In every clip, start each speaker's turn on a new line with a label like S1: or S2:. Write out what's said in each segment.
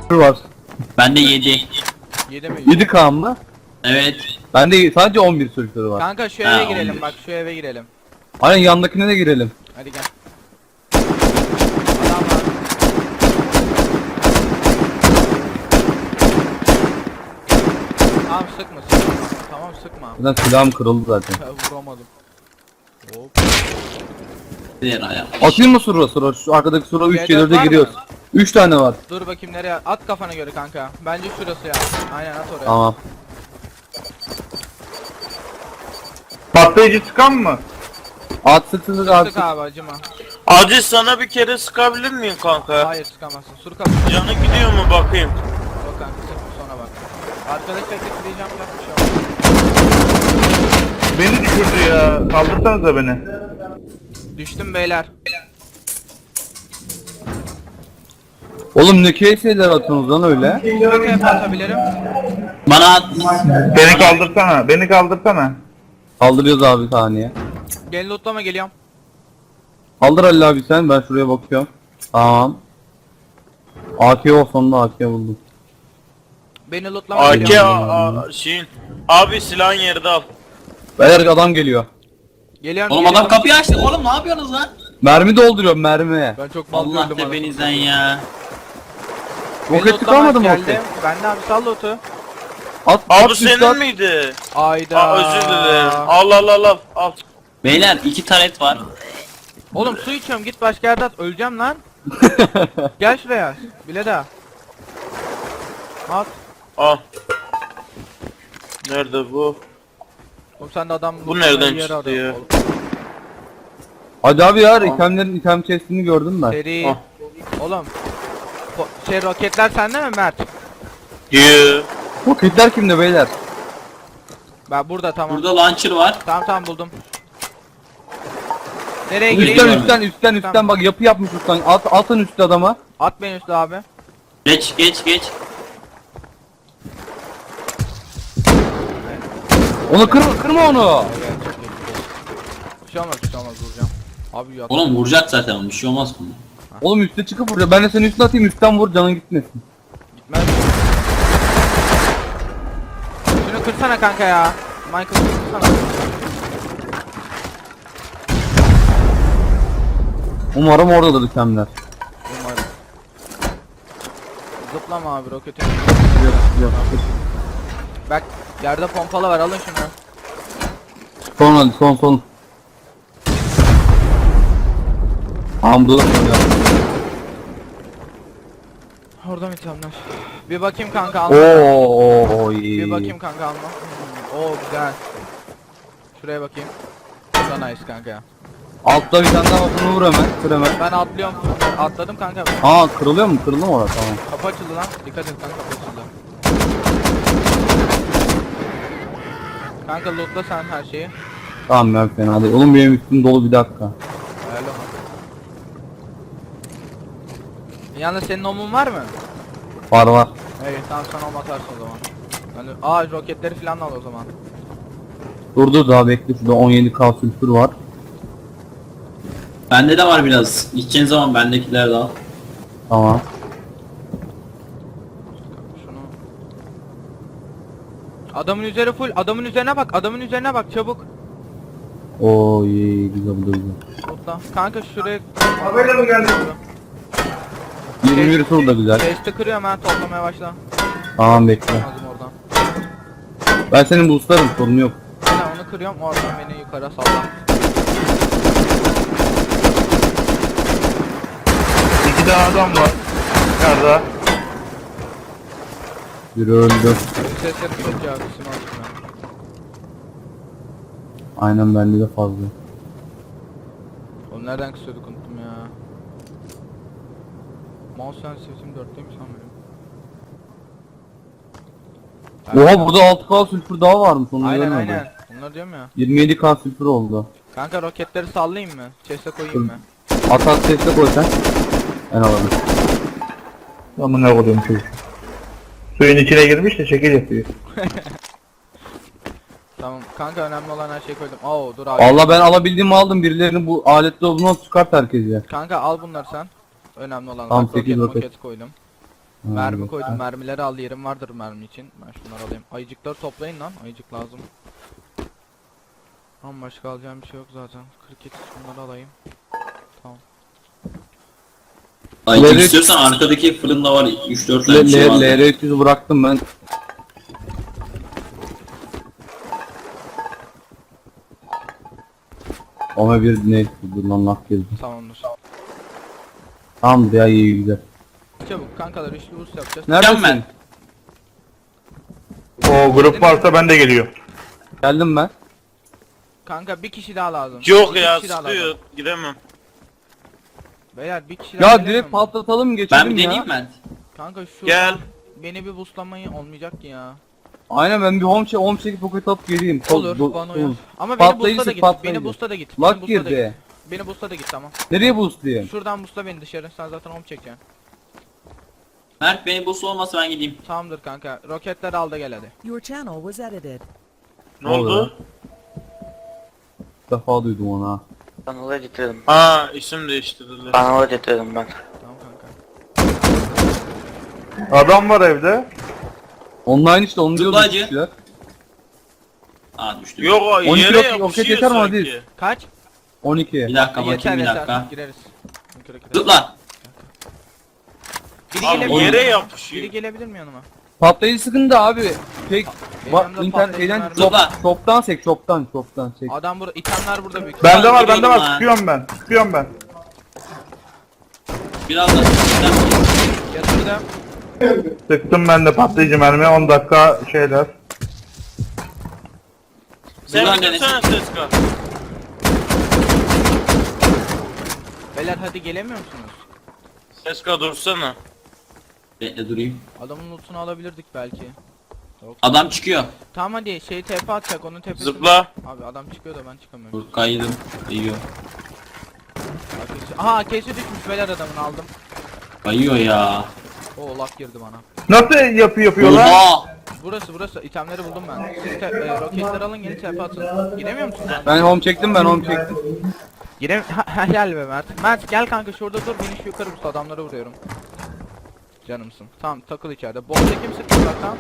S1: var.
S2: Bende 7.
S3: 7 mi?
S1: 7K mı?
S2: Evet.
S1: Bende sadece 11 sülfürü var.
S3: Kanka şu
S2: Ha,
S3: eve girelim
S2: 11.
S3: bak, şu eve girelim.
S1: Aynen yandakine de girelim.
S3: Hadi gel. Adam var. Tamam sıkma. Tamam sıkma.
S1: Zaten silahım kırıldı zaten.
S3: Vuramadım. Hop.
S2: Diğer ayak.
S1: Atayım mı sura? Şu arkadaki sura 3
S3: C4 var
S1: 4'e
S3: mı?
S1: giriyoruz. 3 tane var.
S3: Dur bakayım nereye at kafana göre kanka. Bence şurası ya. Aynen at oraya.
S1: Tamam.
S4: Patlayıcı çıkan mı?
S1: At sık at
S3: Sık
S1: sık.
S3: abi acıma.
S5: Acil sana bir kere sıkabilir miyim kanka?
S3: Hayır sıkamazsın. Sur kapı.
S5: Canı gidiyor mu bakayım?
S3: Yok kanka sıkma sonra bak. Arkadaş bekleyeceğim yapmış ya.
S4: Beni düşürdü ya. Kaldırsanıza beni.
S3: Düştüm beyler.
S1: Oğlum ne şeyler atıyorsunuz lan öyle?
S3: Şuraya hep atabilirim.
S2: Bana at.
S4: Beni kaldırsana. Beni kaldırsana.
S1: Kaldırıyoruz abi saniye.
S3: Gel lootlama geliyorum.
S1: Kaldır Ali abi sen, ben şuraya bakıyorum. Tamam. AK o, sonunda AK buldum.
S3: Beni lootlama
S5: AK
S3: geliyorum.
S5: şeyin. Abi silahın yerde al.
S1: Beyler adam geliyor.
S3: Geliyorum.
S2: Oğlum adam kapıyı açtı. Oğlum ne yapıyorsunuz lan?
S1: Mermi dolduruyorum mermi.
S3: Ben çok mal
S2: Allah
S3: gördüm
S2: tepenizden ya.
S1: Roket çıkamadı mı roket?
S3: Ben de abi sal lootu.
S1: At
S5: Abi
S1: üstü
S5: senin
S1: at.
S5: miydi?
S3: Ayda.
S5: Özür dilerim. Al.
S2: Beyler 2 taret var.
S3: Oğlum su içiyorum git başka yerde at. Öleceğim lan. Gel şuraya. Bile daha. At.
S5: Al. Nerede bu?
S3: Oğlum sen de adam
S5: Bu nereden
S3: yere
S5: çıktı
S3: arıyorsun
S5: ya?
S3: oğlum.
S1: Hadi abi ya, itemlerin item chest'ini gördüm ben.
S3: Seri.
S5: Ah.
S3: Oğlum. Roketler sende mi Mert?
S5: Diyor.
S1: Roketler kimde beyler?
S3: Ben burada tamam.
S2: Burada launcher var.
S3: Tamam buldum. Nereye gireyim?
S1: Üstten bak, yapı yapmış üstten. Atın üstü adama.
S3: At beni üstü abi.
S2: Geç.
S1: Onu kırma onu.
S3: Bir şey olmaz vuracağım. Abi yat.
S2: Oğlum vuracak zaten onu. Bir şey olmaz bunda.
S1: Oğlum üstte çıkıp vuruyor. Ben de senin üstüne atayım, üstten vur, canın gitmesin.
S3: Gitmez. Şunu kırsana kanka ya. Michael kırsana.
S1: Umarım oradadır itemler.
S3: Umarım. Zıplama abi roketin.
S1: Yok.
S3: Bak yerde pompalı var alın şunu.
S1: Son hadi son. Tamam dur.
S3: Orada mı itemler? Bir bakayım kanka alma.
S1: Oo iyi.
S3: Bir bakayım kanka alma. Oo güzel. Şuraya bakayım. Bu da nice kanka.
S1: Altta bir tane daha var, bunu vur hemen. Kır hemen.
S3: Ben atlıyorum. Atladım kanka.
S1: Aa kırılıyor mu? Kırıldı mı orada? Tamam.
S3: Kapı açıldı lan. Dikkat et kanka kapı açıldı. Kanka lootla sen her şeyi.
S1: Tamam ben fena değil. Oğlum benim üstüm dolu, bir dakika.
S3: Ayarla. Yalnız senin omun var mı?
S1: Var.
S3: Evet tamam sen om atarsın o zaman. Ben roketleri falan al o zaman.
S1: Dur daha bekle, şurada 17K sülfür var.
S2: Bende de var biraz. İçeceğin zaman bendekiler de al.
S1: Tamam.
S3: Şunu. Adamın üzeri full. Adamın üzerine bak çabuk.
S1: Oo iyi, güzel.
S3: Lootla. Kanka şuraya.
S4: Haberle mi geldin?
S1: 21 tur da güzel.
S3: Chest'i kırıyorum ha toplamaya başla.
S1: Tamam bekle.
S3: Lazım oradan.
S1: Ben senin boostlarım, sorun yok.
S3: Ben onu kırıyorum oradan beni yukarı salla.
S4: İki tane adam var. Nerede?
S1: Biri öldü.
S3: Sesleri çok ya kısım aldım ben.
S1: Aynen bende de fazla.
S3: Oğlum nereden kısıyorduk unuttum ya. Mouse sensitivity'm 4'teymiş lan benim.
S1: Oha burada 6K sülfür daha varmış, onu
S3: Aynen
S1: görmedim.
S3: aynen. Bunları diyorum ya.
S1: 27K sülfür oldu.
S3: Kanka roketleri sallayayım mı? Chest'e koyayım mı?
S1: At sesle koy sen. Ben alırım.
S4: Ama ne koyayım çocuk. Suyun içine girmiş de şekil yapıyor.
S3: Tamam kanka önemli olan her şeyi koydum. Oo dur abi.
S1: Allah ben alabildiğimi aldım, birilerini bu aletle olduğunu çıkart herkes ya.
S3: Kanka al bunları sen. Önemli olan
S1: Tamam,
S3: bak,
S1: 8 roket.
S3: roket koydum. Mermi
S1: evet.
S3: koydum. Mermileri al, yerim vardır mermi için. Ben şunları alayım. Ayıcıkları toplayın lan. Ayıcık lazım. Ama başka alacağım bir şey yok zaten. 42 şunları alayım. Tamam.
S2: Ay
S1: Levrek-
S2: istiyorsan arkadaki fırında var 3-4 tane bir şey vardı.
S1: LR300'ü bıraktım ben. Ama bir ne? Dur lan laf gezdim.
S3: Tamamdır.
S1: Tamamdır ya, iyi güzel.
S3: Çabuk kankalar, üçlü boost yapacağız.
S1: Neredesin?
S2: ben.
S4: O grup varsa ben de geliyor.
S1: Geldim ben.
S3: Kanka bir kişi daha lazım.
S5: Yok
S3: İki
S5: ya
S3: kişi daha
S5: sıkıyor.
S3: lazım.
S5: Gidemem.
S3: Beyler bir kişi daha
S1: Ya
S3: gelemiyor
S1: direkt
S3: mu?
S1: patlatalım geçelim
S2: Ben bir
S1: ya.
S2: deneyeyim ben.
S3: Kanka şu
S5: Gel.
S3: beni bir boostlamayı olmayacak ki ya.
S1: Aynen, ben bir home çekip poket atıp geleyim.
S3: Olur bana uyar. Ama beni
S1: Patlayıcı
S3: boostla da
S1: sık,
S3: git.
S1: patlayıcı.
S3: Beni boostla da git.
S1: Lag
S3: Beni boostla da
S1: girdi.
S3: git. Beni boostla da git, tamam.
S1: Nereye boost diyeyim?
S3: Şuradan boostla beni dışarı. Sen zaten home çekeceksin.
S2: Mert beni bu olmasa ben gideyim.
S3: Tamamdır kanka. Roketleri al da gel hadi.
S6: Your channel was edited.
S5: Ne oldu?
S1: İlk defa duydum onu ha.
S7: Kanalı editledim.
S5: Ha isim değiştirdiler.
S7: Kanalı editledim ben.
S3: Tamam kanka.
S4: Adam var evde.
S1: Online işte, onu diyorduk
S2: Zıplayıcı.
S1: kişiler.
S2: Aa düştüm.
S5: Yok o
S1: 12
S5: yere
S1: roket
S5: yapışıyor
S1: yeter mi
S5: sanki.
S1: Aziz?
S3: Kaç?
S1: 12.
S2: Bir dakika
S3: Yeter
S2: bakayım bir
S3: yeter.
S2: dakika.
S3: Gireriz. Rokete.
S2: Zıpla.
S3: Biri
S5: Abi
S3: gelebilir
S5: yere
S3: mi?
S5: yapışıyor.
S3: Biri gelebilir mi yanıma?
S1: Patlayıcı sıkıntı abi. Tek
S3: Benim
S1: bak
S3: yanımda
S1: internet
S3: patlayıcı
S1: şeyden
S3: mermi
S1: çok,
S2: yok.
S1: çoktan çek, çoktan çek.
S3: Adam burada, itemler burada büyük.
S4: Bende var, bende
S2: geliyorum
S4: var.
S2: ha.
S4: Sıkıyorum ben. Sıkıyorum ben.
S2: Biraz da
S3: Yatırdım.
S4: Sıktım ben de patlayıcı mermi. 10 dakika şeyler.
S5: Sen
S2: Buradan
S5: bitirsene ses kal.
S3: Beyler hadi gelemiyor musunuz?
S5: Ses kal dursana.
S2: Bekle durayım.
S3: Adamın lootunu alabilirdik belki.
S2: Adam çıkıyor.
S3: Tamam hadi şey TP atacak, onun tepesi.
S5: Zıpla.
S3: Abi adam çıkıyor da ben çıkamıyorum.
S2: Dur kaydım. Kayıyor.
S3: Aha kesi düşmüş, beyler adamını aldım.
S2: Kayıyor ya.
S3: O lak girdi bana.
S4: Nasıl yapıyorlar?
S2: Oha.
S3: Burası itemleri buldum ben. Siz roketleri alın, gelin TP atın. Giremiyor musun sen?
S1: Ben home çektim.
S3: Gel be Mert. Mert gel kanka, şurada dur, beni şu yukarı boost, adamlara vuruyorum. Canımsın. Tamam takıl içeride. Bomba kim sıktı zaten?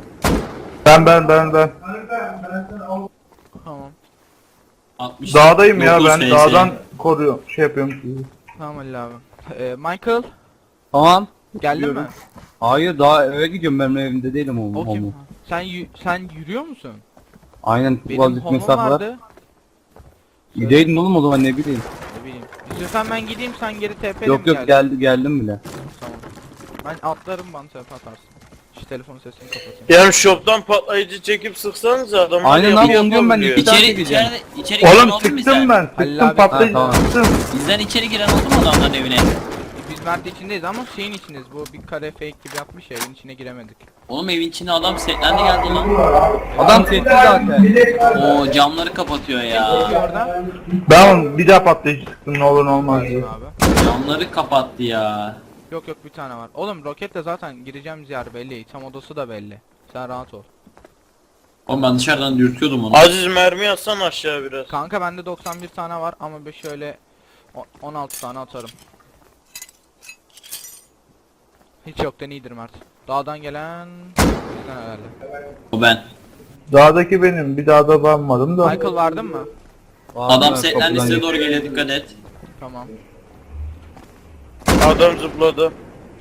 S4: Ben.
S3: Tamam.
S2: 60.
S4: Dağdayım ya,
S2: 9
S4: ben
S2: FS.
S4: dağdan koruyorum. Şey yapıyorum sizi.
S3: Tamam Ali abi. Michael
S1: Tamam.
S3: geldin mi?
S1: Gidiyorum. Hayır, daha eve gidiyorum, ben evimde değilim
S3: O
S1: home.
S3: kim? Sen yürüyor musun?
S1: Aynen,
S3: Benim
S1: azıcık
S3: home'um
S1: mesafe var.
S3: vardı.
S1: Gideydin oğlum o zaman, ne bileyim.
S3: Ne bileyim. İstiyorsan ben gideyim, sen geri TP'le mi
S1: Yok
S3: geldin?
S1: geldim bile.
S3: Tamam. Ben atlarım, bana TP atarsın. Şu telefonun sesini kapatayım.
S5: Yani shop'tan patlayıcı çekip sıksanıza adamlar
S1: Aynen
S5: yapı
S1: abi, onu diyorum ben.
S5: yapabiliyor.
S1: İki tane
S2: İçeri
S1: gideceğim.
S2: içeri giren
S4: Oğlum
S2: oldu mu
S4: sıktım
S2: bizden?
S4: ben.
S3: Halil
S4: Sıktım
S3: abi-
S4: patlayıcı
S1: Ha, tamam.
S4: sıktım.
S2: Bizden içeri giren oldu mu adamların evine?
S3: Biz Mert içindeyiz ama şeyin içindeyiz. Bu bir kare fake gibi yapmış ya, evin içine giremedik.
S2: Oğlum evin içine adam setlendi geldi lan.
S1: Adam setti zaten.
S2: Oo camları kapatıyor ya.
S3: Peki orada.
S4: Ben bir daha patlayıcı sıktım, ne olur ne olmaz diye.
S3: Abi.
S2: Camları kapattı ya.
S3: Yok bir tane var. Oğlum roketle zaten gireceğimiz yer belli. Tam odası da belli. Sen rahat ol.
S2: Oğlum ben dışarıdan dürtüyordum onu.
S5: Aziz mermi atsan aşağı biraz.
S3: Kanka bende 91 tane var ama bir şöyle 16 tane atarım. Hiç yoktan iyidir Mert. Dağdan gelen bizden herhalde.
S2: O ben.
S4: Dağdaki benim, bir dağda ben varım da.
S3: Michael vardın mı?
S2: Adam setlendi size doğru geliyor, dikkat et.
S3: Tamam.
S5: Adam zıpladı.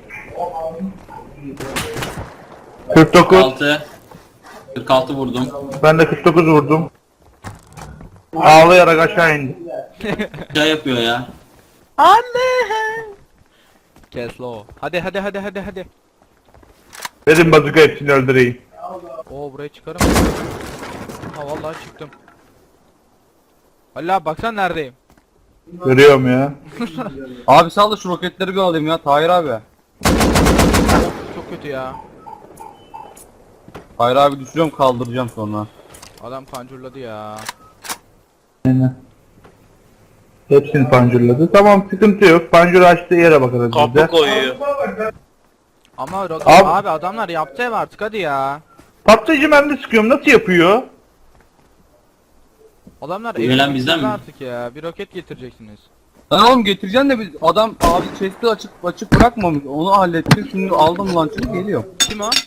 S4: 49.
S2: 46 vurdum.
S4: Ben de 49 vurdum. Ağlayarak aşağı indi.
S2: Şey yapıyor ya.
S3: Keslo. Hadi.
S4: Dedim bazuka hepsini öldüreyim.
S3: Oo buraya çıkarım. Ha vallahi çıktım. Allah baksana neredeyim.
S4: Görüyorum ya.
S1: Abi sağ ol da şu roketleri bir alayım ya Tahir abi.
S3: Çok kötü ya.
S1: Tahir abi düşürüyorum, kaldıracağım sonra.
S3: Adam pancurladı ya.
S4: Aynen. Hepsini pancurladı. Tamam, sıkıntı yok. Pancur açtığı yere bakarız biz
S5: Kapı
S4: de.
S5: koyuyor.
S3: Ama roket
S4: Abi-
S3: abi adamlar yaptı ev artık, hadi ya.
S4: Patlayıcı mermi sıkıyorum. Nasıl yapıyor?
S3: Adamlar
S2: Bu gelen
S3: evi
S2: bizden
S3: bitirdi
S2: mi?
S3: artık ya. Bir roket getireceksiniz.
S1: Lan oğlum getireceksin de biz adam abi chest'i açık bırakmamış. Onu hallettik. Şimdi aldım launcher'ı geliyor.
S3: Kim o?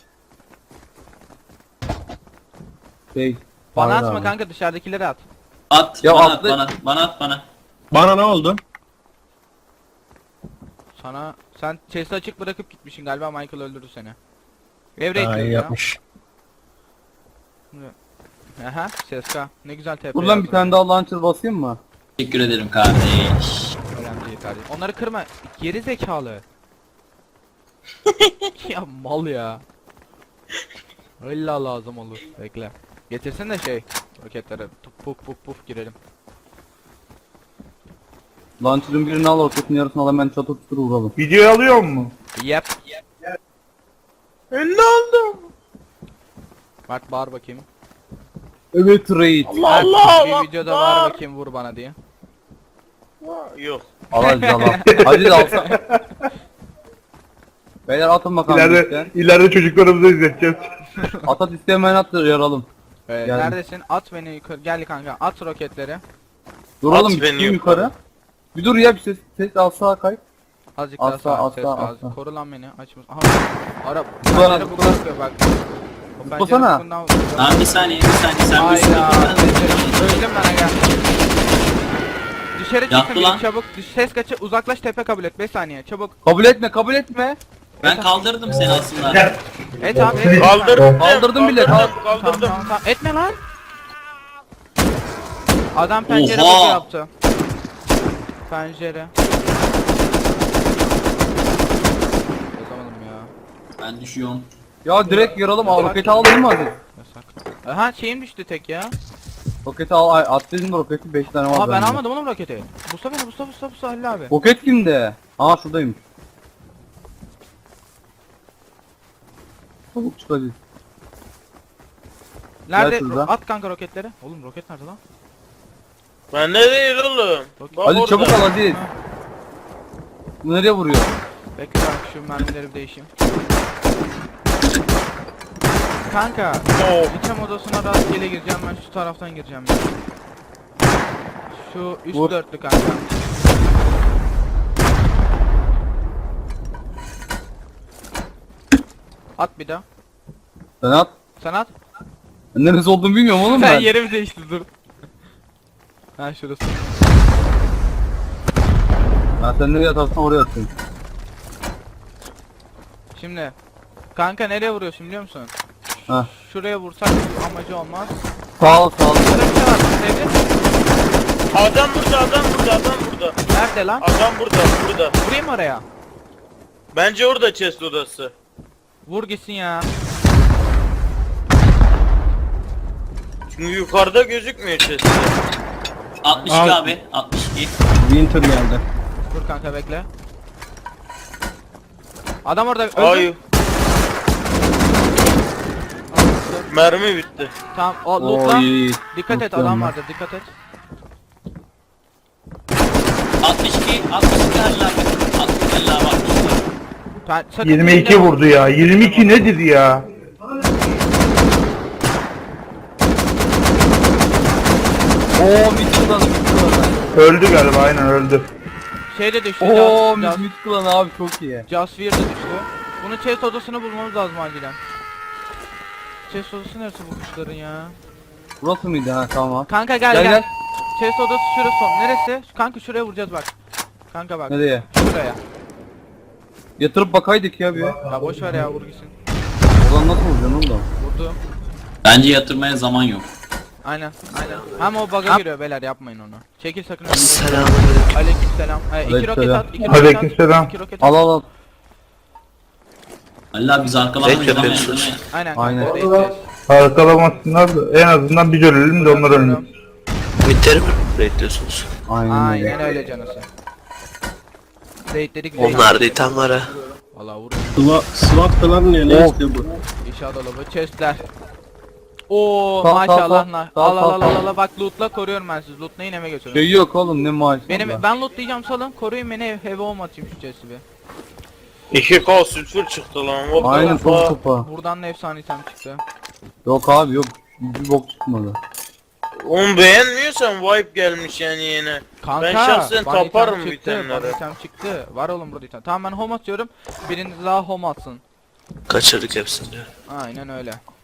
S1: Şey.
S3: Bana
S1: Hayır
S3: atma
S1: abi.
S3: kanka, dışarıdakileri at.
S2: At,
S1: Ya
S2: bana
S1: atla-
S2: at, bana at, bana.
S6: Bana ne oldu?
S3: Sana sen chest'i açık bırakıp gitmişsin galiba, Michael öldürdü seni. Evre
S6: Daha iyi
S3: ya.
S6: yapmış.
S3: Aha, Seska. Ne güzel TP.
S1: Buradan bir
S3: yazdın.
S1: tane daha launcher basayım mı?
S2: Teşekkür ederim kardeş.
S3: Önemli değil kardeşim. Onları kırma. Geri zekalı. Ya mal ya. İlla lazım olur. Bekle. Getirsin de şey. Roketlere puf puf puf girelim.
S1: Launcher'ın birini al, roketin yarısını al, hemen çatı tutur vuralım.
S4: Videoyu alıyor mu?
S3: Yep.
S5: Ne oldu?
S3: Mert bağır bakayım.
S1: Evet raid.
S3: Mert,
S5: Allah
S3: bir
S5: Allah.
S3: videoda bağır bakayım, vur bana diye.
S5: Yok.
S1: Al hadi al. Hadi de alsam. Beyler atın bakalım isteyen.
S4: İleride çocuklarımıza izleteceğiz.
S1: Atat istemeyen attır yaralım. Geldim.
S3: Neredesin? At beni yukarı. Gel kanka. At roketleri.
S1: Duralım
S5: At
S1: bir
S5: beni
S1: çıkayım
S5: yukarı.
S1: yukarı. Bir dur ya, bir ses alsa kay.
S3: Azıcık
S1: Asla,
S3: daha sağ.
S1: asla,
S3: Ses az.
S1: asla.
S3: Koru lan beni. Açmış. Aha. Ara.
S1: Zıpla lan,
S3: Pencere
S1: zıpla.
S3: bu bakıyor bak. O pencere
S1: Zıplasana.
S3: bundan-
S2: Tamam bir saniye sen bir sürü
S3: Hayda. Öldüm ben aga. Dışarı
S2: Yaktı
S3: çıkın
S2: lan.
S3: çabuk. Ses kaçı, uzaklaş, tepe kabul et. 5 saniye çabuk.
S1: Kabul etme, kabul etme.
S2: Ben kaldırdım seni aslında.
S3: Et abi et.
S5: Kaldırdım.
S1: Kaldırdım bile,
S3: Tamam,
S5: Kaldırdım.
S3: tamam. Etme lan. Adam pencere
S2: Oha.
S3: boku yaptı. Pencere. Yazamadım ya.
S2: Ben düşüyorum.
S1: Ya direkt yaralım, al roketi al değil mi hadi?
S3: Yasak. Aha şeyim düştü tek ya.
S1: Roketi al, ay, at dedim de roketi 5 tane var.
S3: Aa ben
S1: bende.
S3: almadım oğlum roketi. Busta beni, busta Halil abi.
S1: Roket kimde? Aa şuradaymış. Çabuk çık hadi.
S3: Nerede?
S1: şurada.
S3: At kanka roketleri. Oğlum roket nerede lan?
S5: Ben ne değil oğlum? Bak
S1: Hadi
S5: orada.
S1: çabuk al hadi. Bu nereye vuruyor?
S3: Bekle kanka, şu mermileri bir değişeyim. Kanka, item odasına rastgele gireceğim, ben şu taraftan gireceğim ya. Şu üst
S1: Vur.
S3: dörtlü kanka. At bir daha.
S1: Sen at.
S3: Sen at.
S1: Ben neresi olduğunu bilmiyorum oğlum
S3: Ben
S1: ben.
S3: yerimi değişti, dur. Ha şurası.
S1: Ha sen nereye atarsan oraya atıyorsun.
S3: Şimdi kanka nereye vuruyorsun biliyor musun?
S1: Ha.
S3: Şuraya vursak amacı olmaz.
S1: Sağ ol sağ ol.
S3: Burada bir şey var, sevdin mi?
S5: Adam burada.
S3: Nerede lan?
S5: Adam burada.
S3: Vurayım mı oraya?
S5: Bence orada chest odası.
S3: Vur gitsin ya.
S5: Çünkü yukarıda gözükmüyor chest.
S2: 62 abi. 62.
S6: Winter geldi.
S3: Dur kanka bekle. Adam orada öldü.
S5: Ay. Mermi bitti.
S3: Tamam o lootla.
S1: Oy.
S3: Dikkat et,
S1: Lootluyorum
S3: adam
S1: ben.
S3: vardı, dikkat et.
S2: 62 Halil abi. 62 Halil abi 62.
S3: Sakın
S4: 22
S3: elinde-
S4: vurdu ya. 22 nedir ya?
S1: Oo mid klan, mid klan.
S4: Öldü galiba, aynen öldü.
S3: Şey de düştü.
S1: Oo
S3: Just
S1: mid klan abi çok iyi.
S3: Fear de düştü. Bunu chest odasını bulmamız lazım acilen. Chest odası neresi bu kuşların ya?
S1: Burası mıydı ha tamam.
S3: Kanka gel
S1: Gel,
S3: gel.
S1: gel.
S3: Chest odası şurası son. Neresi? Kanka şuraya vuracağız bak. Kanka bak.
S1: Nereye?
S3: Şuraya.
S1: Yatırıp bakaydık ya bir.
S3: Ya boş ver ya, vur gitsin.
S1: Oradan nasıl vuracaksın oğlum da?
S3: Vurdu.
S2: Bence yatırmaya zaman yok.
S3: Aynen. Hem o bug'a giriyor beyler, yapmayın onu. Çekil sakın.
S7: Selamünaleyküm.
S3: Aleykümselam. İki roket
S1: Aleykümselam.
S3: at. İki roket at.
S4: Aleykümselam.
S3: İki roket at.
S1: Al al al.
S2: Halil abi biz arkalardan
S7: Zevk yapıyorsunuz.
S2: izlemeyiz.
S3: Aynen.
S1: Aynen.
S3: Kanka, oraya gideceğiz.
S4: Arkalamasınlar da en azından biz ölelim de onlar ölmesin.
S7: Winter'i mi bekliyorsunuz?
S1: Aynen öyle.
S3: Aynen öyle canısı. Raidledik.
S7: Onlar da item var ha.
S3: Valla vur.
S6: Swap falan ne
S1: Of.
S6: işte bu.
S3: İnşaat dolabı. Chestler. Oo
S1: Sağ,
S3: maşallah
S1: sağ,
S3: lan.
S1: sağ,
S3: Al
S1: sağ,
S3: al al
S1: sağ.
S3: al al, bak lootla koruyorum ben sizi. Lootlayın, eve götürün.
S1: Şey yok oğlum ne maaşı.
S3: Ben lootlayacağım, salın. Koruyun beni, eve olmatayım şu chest'i bir.
S5: 2K sülfür çıktı lan. What the
S1: Aynen
S5: fuck?
S1: top topa.
S3: Buradan da efsane item çıktı.
S1: Yok abi yok. Bir bok çıkmadı.
S5: Onu beğenmiyorsan wipe gelmiş yani yine.
S3: Kanka,
S5: Ben şahsen
S3: bana
S5: taparım
S3: item çıktı,
S5: itemleri.
S3: bana item çıktı. Var oğlum burada item. Tamam ben home atıyorum. Biriniz daha home atsın.
S7: Kaçırdık hepsini.
S3: Aynen öyle.